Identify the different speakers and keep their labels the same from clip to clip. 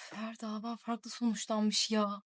Speaker 1: Her dava farklı sonuçlanmış ya.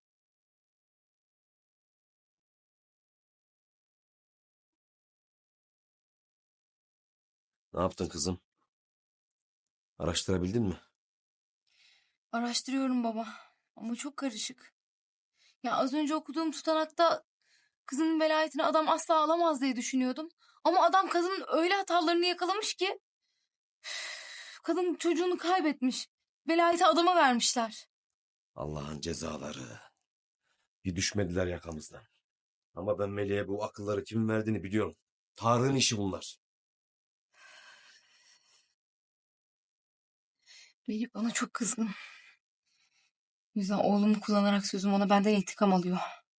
Speaker 2: Ne yaptın kızım? Araştırabildin mi?
Speaker 1: Araştırıyorum baba. Ama çok karışık. Ya az önce okuduğum tutanakta kızının velayetini adam asla alamaz diye düşünüyordum. Ama adam kadının öyle hatalarını yakalamış ki kadın çocuğunu kaybetmiş. Velayeti adama vermişler.
Speaker 2: Allah'ın cezaları. Bir düşmediler yakamızdan. Ama ben Melih'e bu akılları kimin verdiğini biliyorum. Tarık'ın işi bunlar.
Speaker 1: Melih bana çok kızgın. O yüzden oğlumu kullanarak sözüm ona benden intikam alıyor.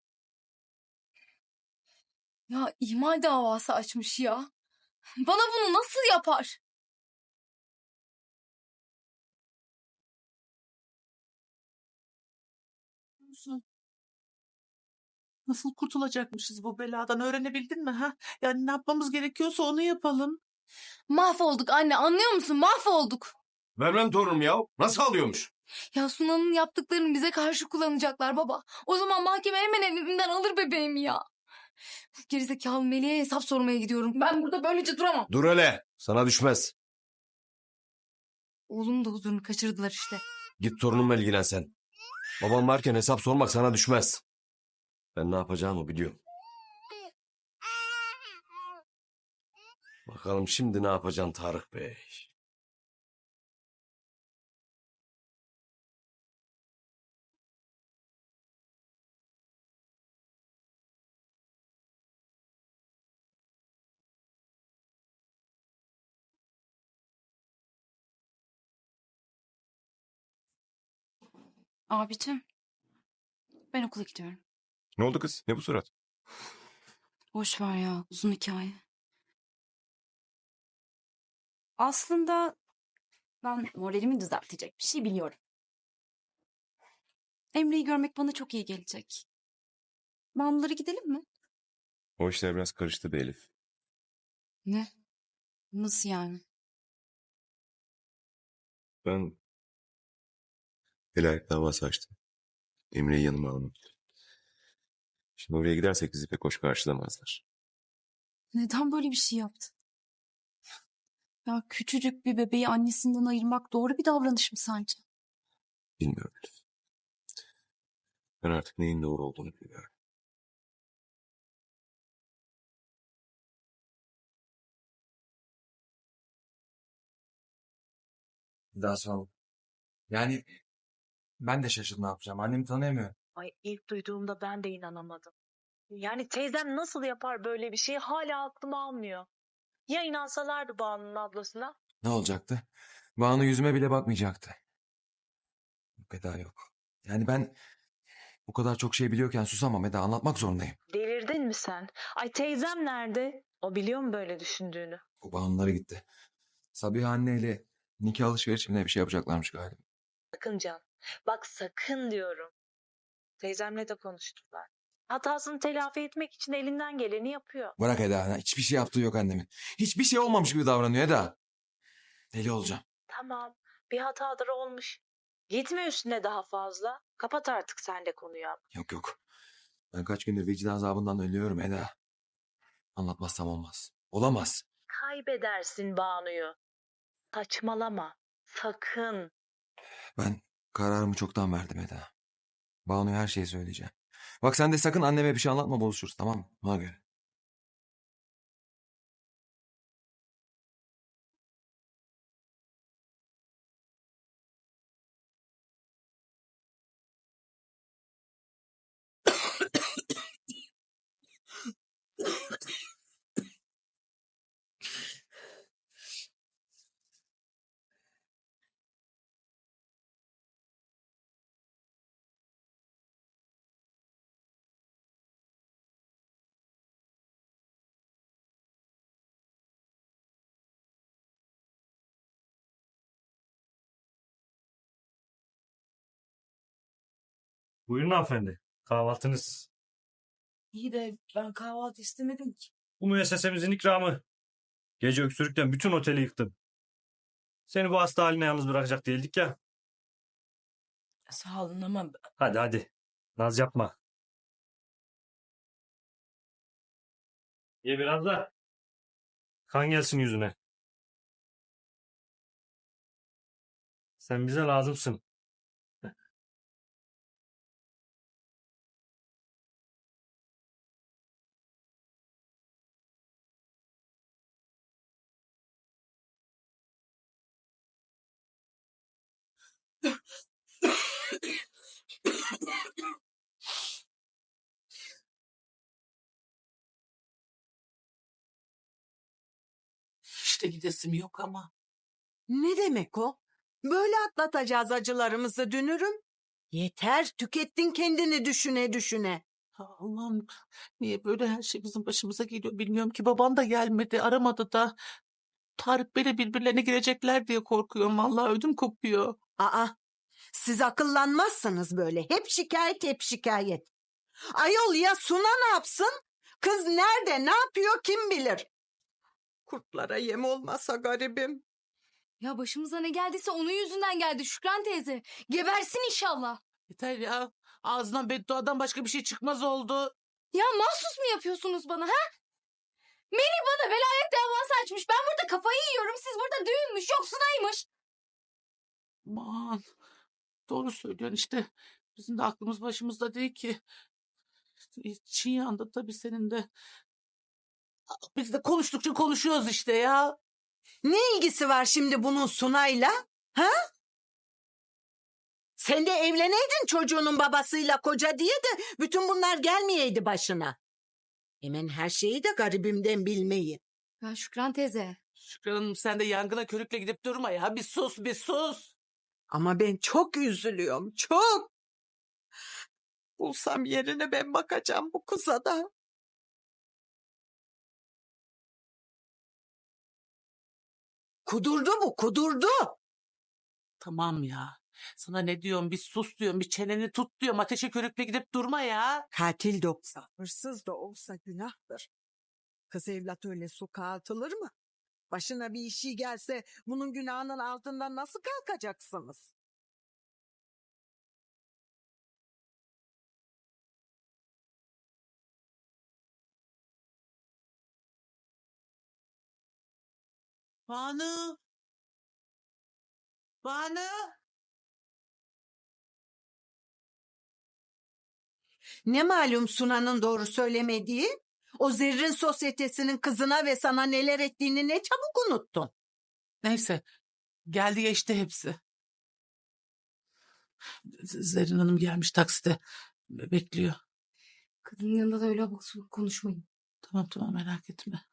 Speaker 1: Ya ihmal davası açmış ya. Bana bunu nasıl yapar?
Speaker 3: Nasıl kurtulacakmışız bu beladan öğrenebildin mi ha? Yani ne yapmamız gerekiyorsa onu yapalım.
Speaker 1: Mahvolduk anne, anlıyor musun? Mahvolduk.
Speaker 2: Vermem torunum ya. Nasıl alıyormuş?
Speaker 1: Ya Sunan'ın yaptıklarını bize karşı kullanacaklar baba. O zaman mahkeme hemen elimden alır bebeğimi ya. Gerizekalı Melih'e hesap sormaya gidiyorum. Ben burada böylece duramam.
Speaker 2: Dur hele. Sana düşmez.
Speaker 1: Oğlumun da huzurunu kaçırdılar işte.
Speaker 2: Git torunumla ilgilen sen. Babam varken hesap sormak sana düşmez. Ben ne yapacağımı biliyorum. Bakalım şimdi ne yapacaksın Tarık Bey?
Speaker 1: Abicim, ben okula gidiyorum.
Speaker 4: Ne oldu kız? Ne bu surat?
Speaker 1: Boş ver ya, uzun hikaye. Aslında ben moralimi düzeltecek bir şey biliyorum. Emre'yi görmek bana çok iyi gelecek. Bağımlılara gidelim mi?
Speaker 4: O işler biraz karıştı be Elif.
Speaker 1: Ne? Nasıl yani?
Speaker 4: Ben velayet davası açtım. Emre'yi yanıma almak. Şimdi oraya gidersek bizi pek hoş karşılamazlar.
Speaker 1: Neden böyle bir şey yaptın? Ya küçücük bir bebeği annesinden ayırmak doğru bir davranış mı sence?
Speaker 4: Bilmiyorum Elif. Ben artık neyin doğru olduğunu biliyorum.
Speaker 5: Daha sağ ol. Yani ben de şaşırdım ne yapacağım. Annemi tanıyamıyorum.
Speaker 6: Ay ilk duyduğumda ben de inanamadım. Yani teyzem nasıl yapar böyle bir şeyi hala aklım almıyor. Ya inansalardı Banu'nun ablasına?
Speaker 5: Ne olacaktı? Banu yüzüme bile bakmayacaktı. Yok Eda yok. Yani ben bu kadar çok şey biliyorken susamam Eda, anlatmak zorundayım.
Speaker 6: Delirdin mi sen? Ay teyzem nerede? O biliyor mu böyle düşündüğünü?
Speaker 5: Bu Banu'lara gitti. Sabiha anneyle nikah alışverişimine bir şey yapacaklarmış galiba.
Speaker 6: Sakın Can. Bak sakın diyorum. Teyzemle de konuştular. Hatasını telafi etmek için elinden geleni yapıyor.
Speaker 5: Bırak Eda, hiçbir şey yaptığı yok annemin. Hiçbir şey olmamış gibi davranıyor Eda. Deli olacağım.
Speaker 6: Tamam, bir hatadır olmuş. Gitme üstüne daha fazla. Kapat artık sen de konuyu.
Speaker 5: Yok yok. Ben kaç gündür vicdan azabından ölüyorum Eda. Anlatmazsam olmaz. Olamaz.
Speaker 6: Kaybedersin Banu'yu. Saçmalama. Sakın.
Speaker 5: Ben kararımı çoktan verdim Eda. Banu'ya her şeyi söyleyeceğim. Bak sen de sakın anneme bir şey anlatma, buluşuruz, tamam mı? Ona göre.
Speaker 7: Buyurun hanımefendi. Kahvaltınız.
Speaker 3: İyi de ben kahvaltı istemedim ki.
Speaker 7: Bu müessesemizin ikramı. Gece öksürükten bütün oteli yıktım. Seni bu hasta haline yalnız bırakacak değildik ya.
Speaker 8: Sağ olun ama
Speaker 7: Hadi hadi. Naz yapma. Ye biraz da. Kan gelsin yüzüne. Sen bize lazımsın.
Speaker 3: İşte gidesim yok ama.
Speaker 8: ne demek o? Böyle atlatacağız acılarımızı dünürüm. Yeter, tükettin kendini düşüne düşüne.
Speaker 3: Allah'ım, niye böyle her şey bizim başımıza geliyor bilmiyorum ki. Babam da gelmedi, aramadı da. Tarık Bey'le birbirlerine girecekler diye korkuyorum. Vallahi ödüm kopuyor.
Speaker 8: Aa, siz akıllanmazsınız böyle. Hep şikayet, hep şikayet. Ayol ya Suna ne yapsın? Kız nerede, ne yapıyor kim bilir? Kurtlara yem olmasa garibim.
Speaker 1: Ya başımıza ne geldiyse onun yüzünden geldi Şükran teyze. Gebersin inşallah.
Speaker 3: Yeter ya. Ağzından bedduadan başka bir şey çıkmaz oldu.
Speaker 1: Ya mahsus mu yapıyorsunuz bana ha? Melih bana velayet davası açmış. Ben burada kafayı yiyorum. Siz burada düğünmüş, yoksunaymış.
Speaker 3: Aman. Doğru söylüyorsun işte. Bizim de aklımız başımızda değil ki. Çin yandı tabii senin de. Biz de konuştukça konuşuyoruz işte ya.
Speaker 8: Ne ilgisi var şimdi bunun Sunay'la? Ha? Sen de evleneydin çocuğunun babasıyla koca diye de bütün bunlar gelmeyeydi başına. Hemen her şeyi de garibimden bilmeyin.
Speaker 1: Ya Şükran teyze.
Speaker 3: Şükran Hanım sen de yangına körükle gidip durma ya. Bir sus bir sus.
Speaker 8: Ama ben çok üzülüyorum, çok. Bulsam yerine ben bakacağım bu kıza da. Kudurdu bu, kudurdu.
Speaker 3: Tamam ya. Sana ne diyorum bir sus diyorum bir çeneni tut diyorum. Ateşe körükle gidip durma ya.
Speaker 8: Katil de olsa, hırsız da olsa günahtır. Kız evlat öyle sokağa atılır mı? Başına bir işi gelse bunun günahının altından nasıl kalkacaksınız?
Speaker 3: Banu. Banu.
Speaker 8: Ne malum Sunan'ın doğru söylemediği? O zerrin sosyetesinin kızına ve sana neler ettiğini ne çabuk unuttun.
Speaker 3: Neyse. Geldi geçti hepsi. Zerrin Hanım gelmiş takside. Bekliyor.
Speaker 1: Kadının yanında da öyle abuk subuk konuşmayın.
Speaker 3: Tamam tamam merak etme.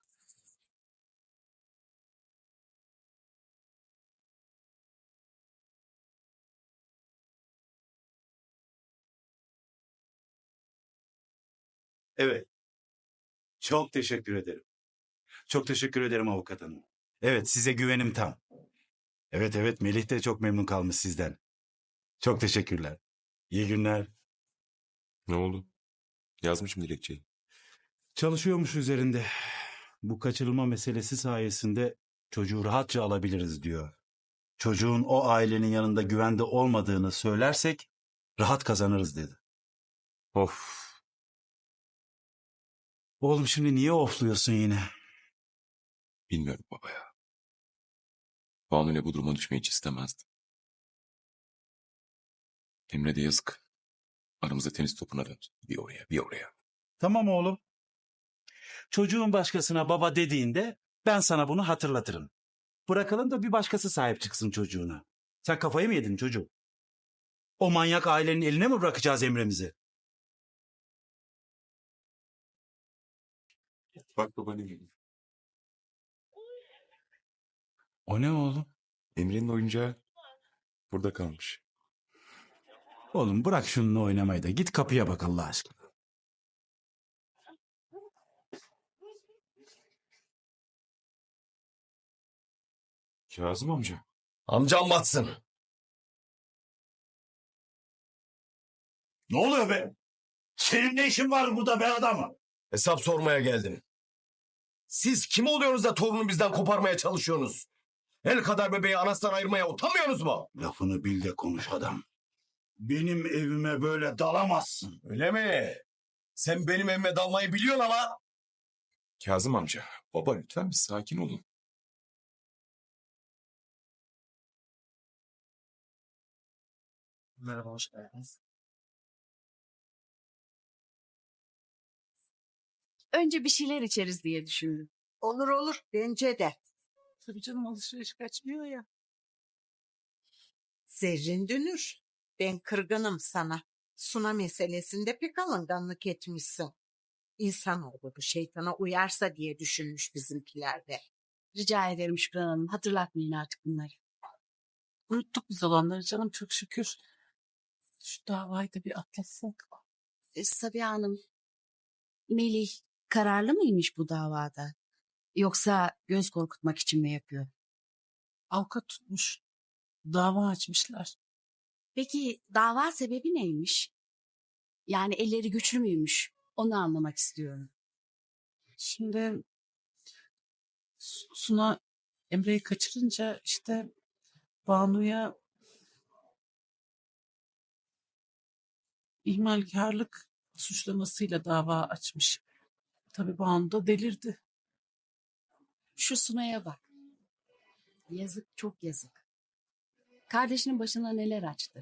Speaker 9: Evet. Çok teşekkür ederim. Çok teşekkür ederim avukat hanım. Evet, size güvenim tam. Evet evet, Melih de çok memnun kalmış sizden. Çok teşekkürler. İyi günler.
Speaker 4: Ne oldu? Yazmışım dilekçeyi.
Speaker 9: Çalışıyormuş üzerinde. Bu kaçırılma meselesi sayesinde çocuğu rahatça alabiliriz diyor. Çocuğun o ailenin yanında güvende olmadığını söylersek rahat kazanırız dedi.
Speaker 4: Of.
Speaker 9: Oğlum şimdi niye ofluyorsun yine?
Speaker 4: Bilmiyorum baba ya. Banu ile bu duruma düşmeyi hiç istemezdim. Emre de yazık. Aramızda tenis topuna döndü. Bir oraya bir oraya.
Speaker 9: Tamam oğlum. Çocuğun başkasına baba dediğinde ben sana bunu hatırlatırım. Bırakalım da bir başkası sahip çıksın çocuğuna. Sen kafayı mı yedin çocuğum? O manyak ailenin eline mi bırakacağız Emre'mizi?
Speaker 4: Bak baba ne geliyor.
Speaker 9: O ne oğlum?
Speaker 4: Emre'nin oyuncağı burada kalmış.
Speaker 9: Oğlum bırak şununla oynamayı da git kapıya bak Allah aşkına.
Speaker 4: Kazım amca.
Speaker 2: Amcam batsın.
Speaker 9: Ne oluyor be? Senin ne işin var burada be adamı?
Speaker 2: Hesap sormaya geldim. Siz kim oluyorsunuz da torunu bizden koparmaya çalışıyorsunuz? El kadar bebeği anasından ayırmaya utanmıyorsunuz mu?
Speaker 9: Lafını bil de konuş adam. Benim evime böyle dalamazsın.
Speaker 2: Öyle mi? Sen benim evime dalmayı biliyorsun ama.
Speaker 4: Kazım amca, baba lütfen bir sakin olun.
Speaker 7: Merhaba, hoş geldiniz.
Speaker 10: Önce bir şeyler içeriz diye düşündüm.
Speaker 8: Olur olur bence de.
Speaker 3: Tabii canım, alışveriş kaçmıyor ya.
Speaker 8: Zerrin Dünür. Ben kırgınım sana. Suna meselesinde pek alınganlık etmişsin. İnsanoğlu bu şeytana uyarsa diye düşünmüş bizimkiler de.
Speaker 10: Rica ederim Şükran Hanım. Hatırlatmayın artık bunları.
Speaker 3: Unuttuk biz olanları canım, çok şükür. Şu davayı da bir atlatsak.
Speaker 10: Sabiha Hanım, Melih kararlı mıymış bu davada? Yoksa göz korkutmak için mi yapıyor?
Speaker 3: Avukat tutmuş. Dava açmışlar.
Speaker 10: Peki dava sebebi neymiş? Yani elleri güçlü müymüş? Onu anlamak istiyorum.
Speaker 3: Şimdi Suna Emre'yi kaçırınca işte Banu'ya ihmalkarlık suçlamasıyla dava açmış. Tabii Banu da delirdi.
Speaker 10: Şu Suna'ya bak. Yazık, çok yazık. Kardeşinin başına neler açtı.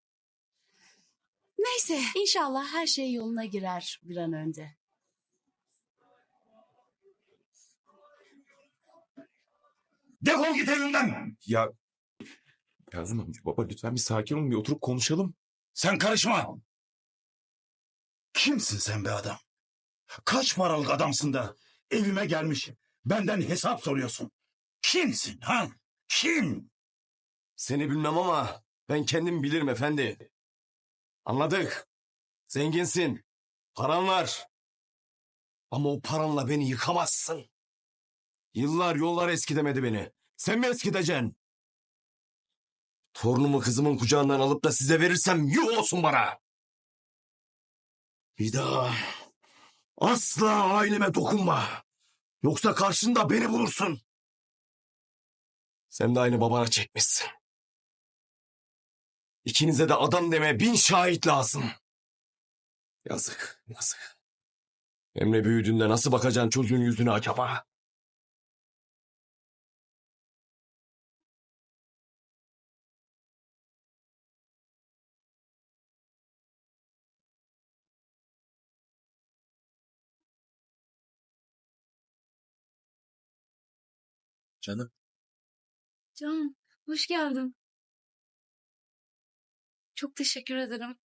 Speaker 10: Neyse, inşallah her şey yoluna girer bir an önce.
Speaker 9: Defol git evimden.
Speaker 4: Ya Kazım amca, baba lütfen bir sakin olun, bir oturup konuşalım.
Speaker 9: Sen karışma. Kimsin sen be adam? Kaç paralık adamsın da evime gelmiş benden hesap soruyorsun? Kimsin ha? Kim?
Speaker 2: Seni bilmem ama ben kendim bilirim efendi. Anladık. Zenginsin. Paran var. Ama o paranla beni yıkamazsın. Yıllar yollar eskidemedi beni. Sen mi eskideceksin? Torunumu kızımın kucağından alıp da size verirsem yuh olsun bana. Bir daha asla aileme dokunma. Yoksa karşında beni bulursun. Sen de aynı babana çekmişsin. İkinize de adam deme 1000 şahit lazım. Yazık, yazık. Emre büyüdüğünde nasıl bakacaksın çocuğun yüzüne acaba?
Speaker 5: Canım.
Speaker 1: Can, hoş geldin. Çok teşekkür ederim.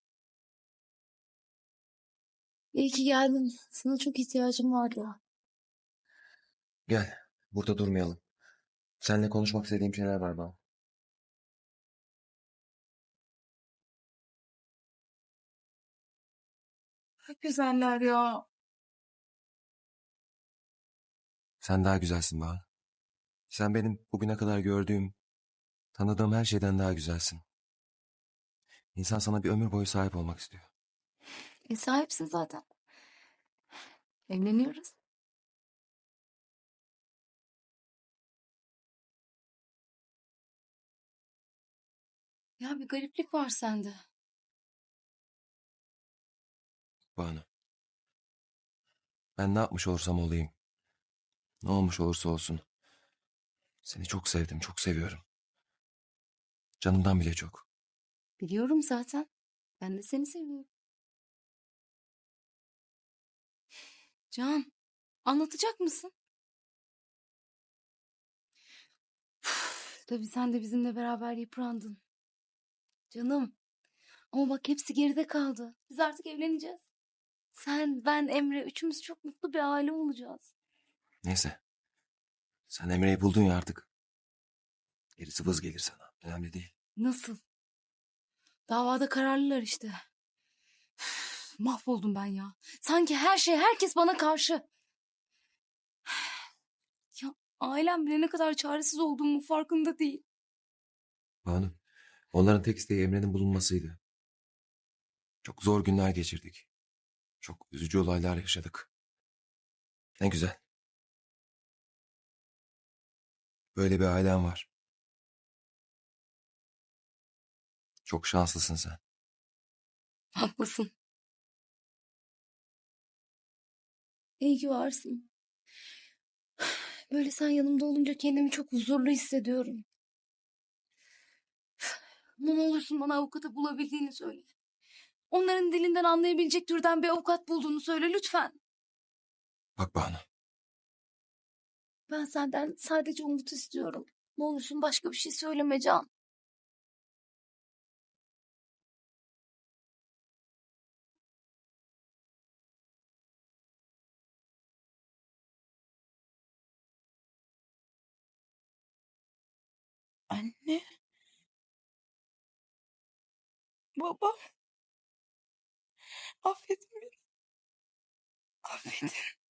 Speaker 1: İyi ki geldin. Sana çok ihtiyacım vardı.
Speaker 5: Gel. Burada durmayalım. Seninle konuşmak istediğim şeyler var bana.
Speaker 1: Çok güzeller ya.
Speaker 5: Sen daha güzelsin Bahar. Sen benim bugüne kadar gördüğüm, tanıdığım her şeyden daha güzelsin. İnsan sana bir ömür boyu sahip olmak istiyor.
Speaker 1: Sahipsin zaten. Evleniyoruz. Ya bir gariplik var sende.
Speaker 5: Banu. Ben ne yapmış olursam olayım. Ne olmuş olursa olsun. Seni çok sevdim, çok seviyorum. Canımdan bile çok.
Speaker 1: Biliyorum zaten. Ben de seni seviyorum. Can, anlatacak mısın? Tabii sen de bizimle beraber yıprandın. Canım. Ama bak hepsi geride kaldı. Biz artık evleneceğiz. Sen, ben, Emre üçümüz çok mutlu bir aile olacağız.
Speaker 5: Neyse. Sen Emre'yi buldun ya artık. Gerisi vız gelir sana. Önemli değil.
Speaker 1: Nasıl? Davada kararlılar işte. Mahvoldum ben ya. Sanki her şey, herkes bana karşı. Ya ailem bile ne kadar çaresiz olduğumu farkında değil.
Speaker 5: Banu. Onların tek isteği Emre'nin bulunmasıydı. Çok zor günler geçirdik. Çok üzücü olaylar yaşadık. Ne güzel. Böyle bir ailen var. Çok şanslısın sen.
Speaker 1: Haklısın. İyi ki varsın. Böyle sen yanımda olunca kendimi çok huzurlu hissediyorum. Ama ne olursun bana avukatı bulabildiğini söyle. Onların dilinden anlayabilecek türden bir avukat bulduğunu söyle lütfen.
Speaker 5: Bak Banu.
Speaker 1: Ben senden sadece umut istiyorum. Ne olursun başka bir şey söyleme Can.
Speaker 8: Anne. Baba. Affedin beni. Affedin.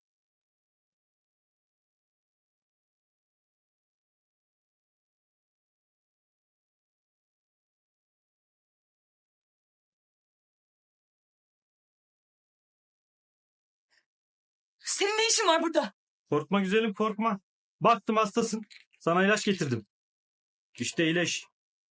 Speaker 8: Senin ne işin var burada?
Speaker 7: Korkma güzelim korkma. Baktım hastasın. Sana ilaç getirdim. İşte iyileş.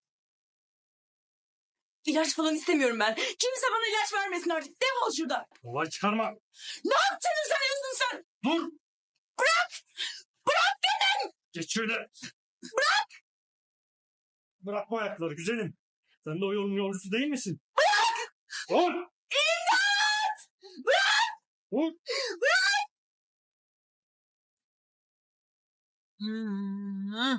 Speaker 8: İlaç falan istemiyorum ben. Kimse bana ilaç vermesin artık. Defol şuradan.
Speaker 7: Olay çıkarma.
Speaker 8: Ne yaptığını sanıyorsun sen?
Speaker 7: Dur.
Speaker 8: Bırak! Bırak dedim!
Speaker 7: Geç şöyle. Bırak. Bırakma ayakları güzelim. Sen de o yolun yolcusu değil misin? Bırak. Dur.
Speaker 8: İmdat! Bırak!
Speaker 7: Dur.
Speaker 8: Bırak! Hmm.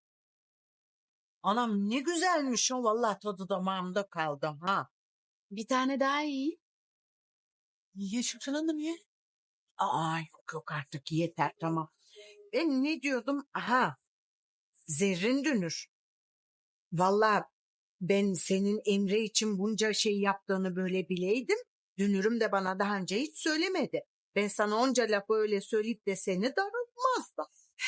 Speaker 8: Anam ne güzelmiş o, vallahi tadı damağımda kaldı ha.
Speaker 10: Bir tane daha iyi.
Speaker 3: Niye Şükran Hanım ye?
Speaker 8: Aa, yok yok artık yeter, tamam. Ben ne diyordum? Aha, Zerrin Dünür. Vallahi ben senin Emre için bunca şey yaptığını böyle bileydim. Dünürüm de bana daha önce hiç söylemedi. Ben sana onca lafı öyle söyleyip de seni darıltmazdım.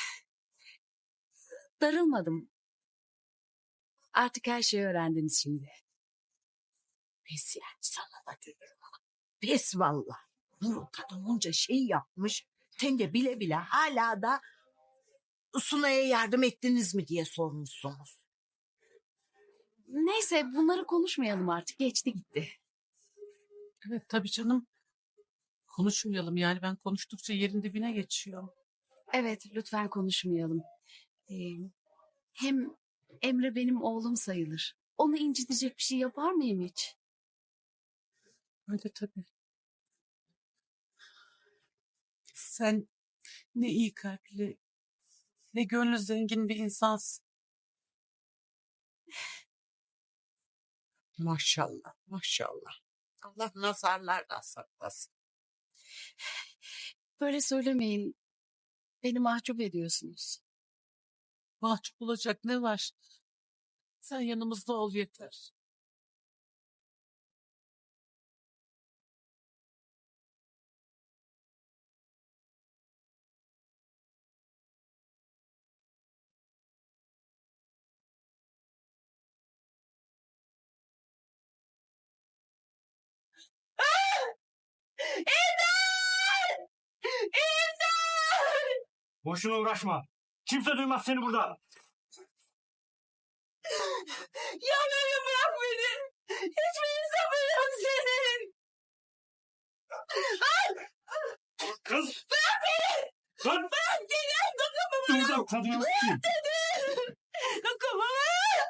Speaker 10: Darılmadım. Artık her şeyi öğrendiniz şimdi.
Speaker 8: Pes yani sana da Dünürüm. Pes vallahi. Bu kadın onca şey yapmış. Sen de bile bile hala da Sunay'a yardım ettiniz mi diye sormuşsunuz.
Speaker 10: Neyse bunları konuşmayalım artık. Geçti gitti.
Speaker 3: Evet tabii canım. Konuşmayalım yani ben konuştukça yerin dibine geçiyor.
Speaker 10: Evet lütfen konuşmayalım. Ee, hem Emre benim oğlum sayılır. Onu incitecek bir şey yapar mıyım hiç?
Speaker 3: Öyle tabii. Sen ne iyi kalpli, ne gönlü zengin bir insansın.
Speaker 8: Maşallah, maşallah. Allah nazarlardan saklasın.
Speaker 10: Böyle söylemeyin. Beni mahcup ediyorsunuz.
Speaker 3: Mahcup olacak ne var? Sen yanımızda ol yeter.
Speaker 7: Boşuna uğraşma. Kimse duymaz seni burada.
Speaker 8: Ya beni bırak beni. Hiçbir insafın yok senin.
Speaker 7: Kız.
Speaker 8: Bırak beni.
Speaker 7: Lan.
Speaker 8: Bırak beni. Dokunma bana.
Speaker 7: Dur kadını.
Speaker 8: Bırak dedim. Dokunma bana.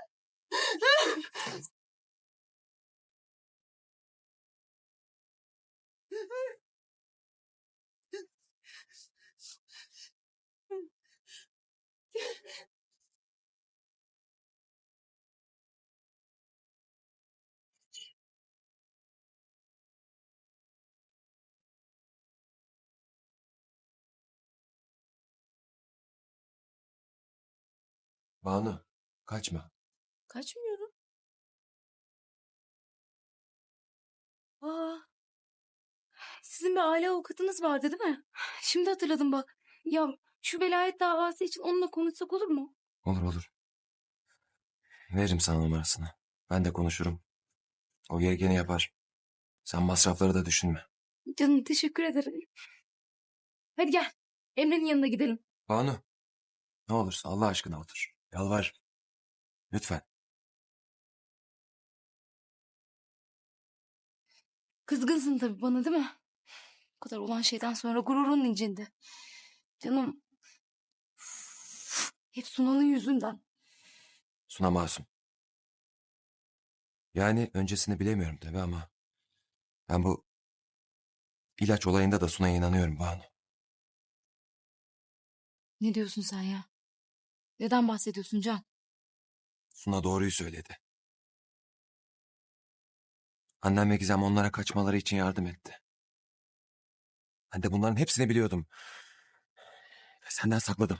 Speaker 5: Banu kaçma.
Speaker 1: Kaçmıyorum. Aa, sizin bir aile avukatınız vardı değil mi? Şimdi hatırladım bak. Ya şu velayet davası için onunla konuşsak olur mu?
Speaker 5: Olur olur. Veririm sana numarasını. Ben de konuşurum. O gerekeni yapar. Sen masrafları da düşünme.
Speaker 1: Canım teşekkür ederim. Hadi gel. Emre'nin yanına gidelim.
Speaker 5: Banu. Ne olursa Allah aşkına otur. Yalvar. Lütfen.
Speaker 1: Kızgınsın tabii bana değil mi? Bu kadar olan şeyden sonra gururun incindi. Canım. Hep Sunan'ın yüzünden.
Speaker 5: Suna masum. Yani öncesini bilemiyorum tabii ama ben bu ilaç olayında da Suna'ya inanıyorum Banu.
Speaker 1: Ne diyorsun sen ya? Neden bahsediyorsun Can?
Speaker 5: Suna doğruyu söyledi. Annem ve Gizem onlara kaçmaları için yardım etti. Ben de bunların hepsini biliyordum. Senden sakladım.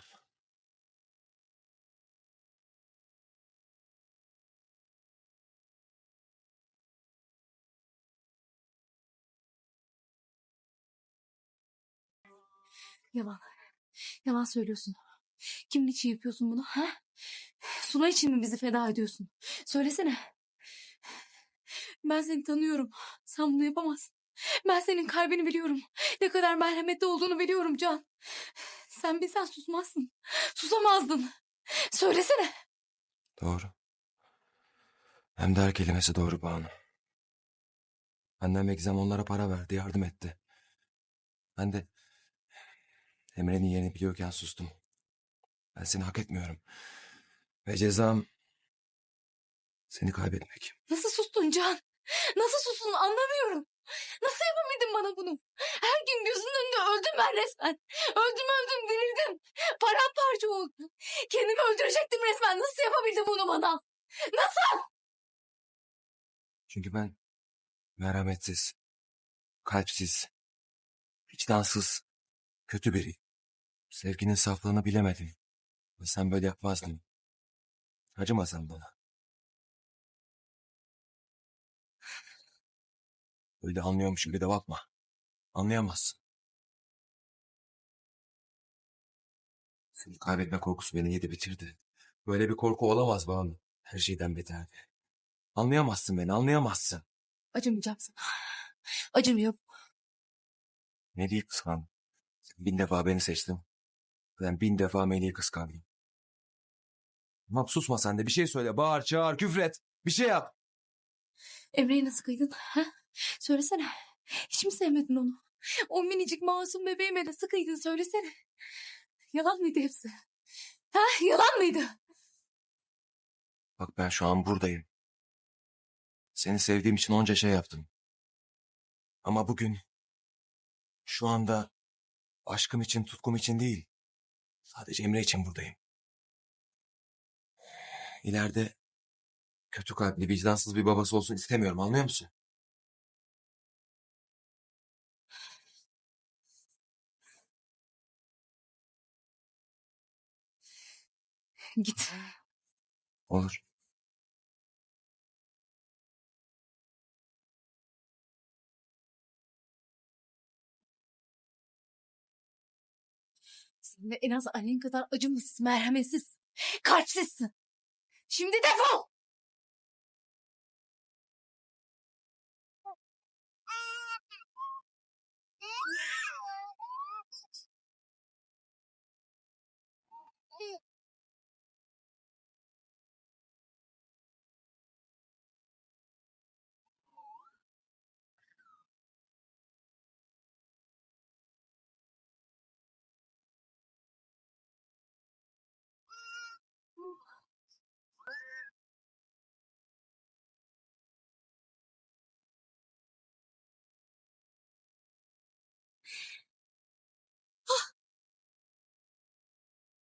Speaker 1: Yalan. Yalan söylüyorsun. Kimin için yapıyorsun bunu? Ha? Suna için mi bizi feda ediyorsun? Söylesene. Ben seni tanıyorum. Sen bunu yapamazsın. Ben senin kalbini biliyorum. Ne kadar merhametli olduğunu biliyorum Can. Sen bilsen susmazsın. Susamazdın. Söylesene.
Speaker 5: Doğru. Hem de her kelimesi doğru Banu. Annem ve Gizem onlara para verdi, yardım etti. Ben de Emre'nin yerini biliyorken sustum. Ben seni hak etmiyorum. Ve cezam seni kaybetmek.
Speaker 1: Nasıl sustun Can? Nasıl sustun anlamıyorum. Nasıl yapabildin bana bunu? Her gün gözünün önünde öldüm ben resmen. Öldüm dirildim. Paramparça oldum. Kendimi öldürecektim resmen. Nasıl yapabildin bunu bana? Nasıl?
Speaker 5: Çünkü ben merhametsiz, kalpsiz, vicdansız, kötü biriyim. Sevginin saflığını bilemedim. Ve sen böyle yapmazdın. Acımasan bana. Öyle anlıyormuş gibi de bakma. Anlayamazsın. Seni kaybetme korkusu beni yedi bitirdi. Böyle bir korku olamaz Banu. Her şeyden beterdi. Anlayamazsın beni, anlayamazsın.
Speaker 1: Acımayacağım sana. Acımıyor.
Speaker 5: Melih'i kıskandım. Sen 1000 defa beni seçtin. Ben 1000 defa Melih'i kıskandım. Tamam susma sen de bir şey söyle. Bağır, çağır, küfret. Bir şey yap.
Speaker 1: Emre'yi nasıl kıydın? Ha? Söylesene. Hiç mi sevmedin onu? O minicik masum bebeğime nasıl kıydın söylesene. Yalan mıydı hepsi? Ha? Yalan mıydı?
Speaker 5: Bak ben şu an buradayım. Seni sevdiğim için onca şey yaptım. Ama bugün, şu anda aşkım için, tutkum için değil. Sadece Emre için buradayım. İleride kötü kalpli, vicdansız bir babası olsun istemiyorum, anlıyor musun?
Speaker 1: Git.
Speaker 5: Olur.
Speaker 1: Sen de en az annen kadar acımasız, merhametsiz, kalpsizsin. Şimdi defol.